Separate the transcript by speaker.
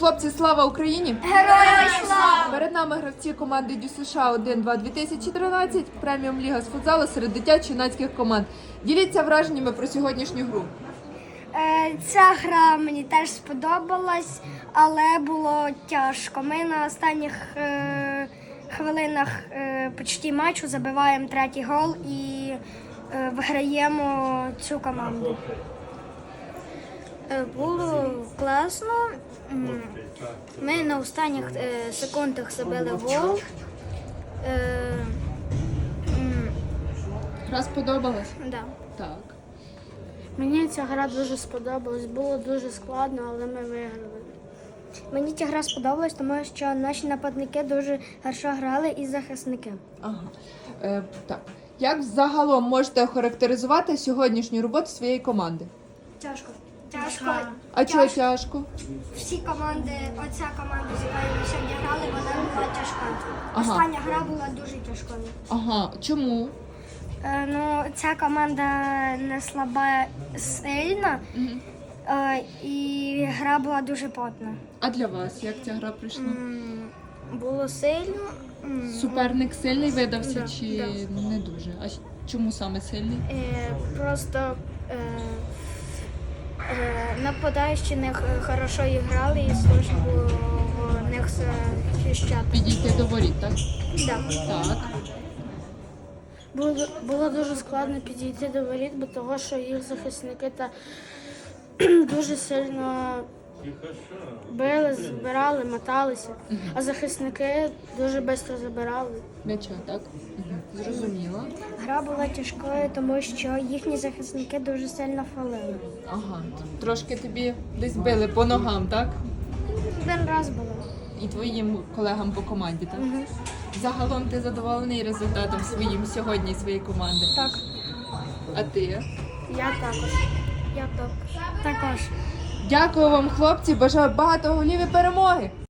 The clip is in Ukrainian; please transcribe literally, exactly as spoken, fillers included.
Speaker 1: Хлопці, слава Україні!
Speaker 2: Героям слава!
Speaker 1: Перед нами гравці команди Дю США один два дві тисячі тринадцять, преміум ліга з футзалу серед дитячо-юнацьких команд. Діліться враженнями про сьогоднішню гру.
Speaker 2: Е, Ця гра мені теж сподобалась, але було тяжко. Ми на останніх е, хвилинах е, почти матчу забиваємо третій гол і е, виграємо цю команду.
Speaker 3: Було класно. М, Ми на останніх е, секундах забили гол. Е, м,
Speaker 1: Гра сподобалась?
Speaker 3: да.
Speaker 1: Так.
Speaker 4: Мені ця гра дуже сподобалась, було дуже складно, але ми виграли.
Speaker 2: Мені ця гра сподобалась, тому що наші нападники дуже хорошо грали і захисники.
Speaker 1: Ага. Е, так. Як взагалом можете охарактеризувати сьогоднішню роботу своєї команди?
Speaker 2: Тяжко. Тяжко.
Speaker 1: А чого тяжко?
Speaker 2: Всі команди, оця команда, з якою ми сьогодні грали, вона була тяжка.
Speaker 1: Ага.
Speaker 2: Остання гра була дуже тяжкою.
Speaker 1: Ага. Чому?
Speaker 2: Е, ну, ця команда не слаба сильна, е, і гра була дуже потна.
Speaker 1: А для вас як ця гра прийшла?
Speaker 3: М, Було сильно. М,
Speaker 1: Суперник сильний видався
Speaker 3: Да,
Speaker 1: чи
Speaker 3: да.
Speaker 1: не дуже? А чому саме сильний?
Speaker 3: е, Просто е, е, нападаючі не х- хорошо грали і сложно було в них захищати.
Speaker 1: Підійти до воріт, так?
Speaker 3: Да.
Speaker 1: Так.
Speaker 4: Було, було дуже складно підійти до воріт, бо того, що їх захисники та дуже сильно били, збирали, моталися, а захисники дуже швидко забирали.
Speaker 1: М'яча, так? Угу. Зрозуміла.
Speaker 2: Гра була тяжкою, тому що їхні захисники дуже сильно фалили.
Speaker 1: Ага. Трошки тобі десь били по ногам, так?
Speaker 2: Один раз було.
Speaker 1: І твоїм колегам по команді, так? Загалом ти задоволений результатом своїм сьогодні, своєї команди?
Speaker 2: Так.
Speaker 1: А ти?
Speaker 4: Я також.
Speaker 2: Я так. Також.
Speaker 1: Дякую вам, хлопці, бажаю багато голів і перемоги!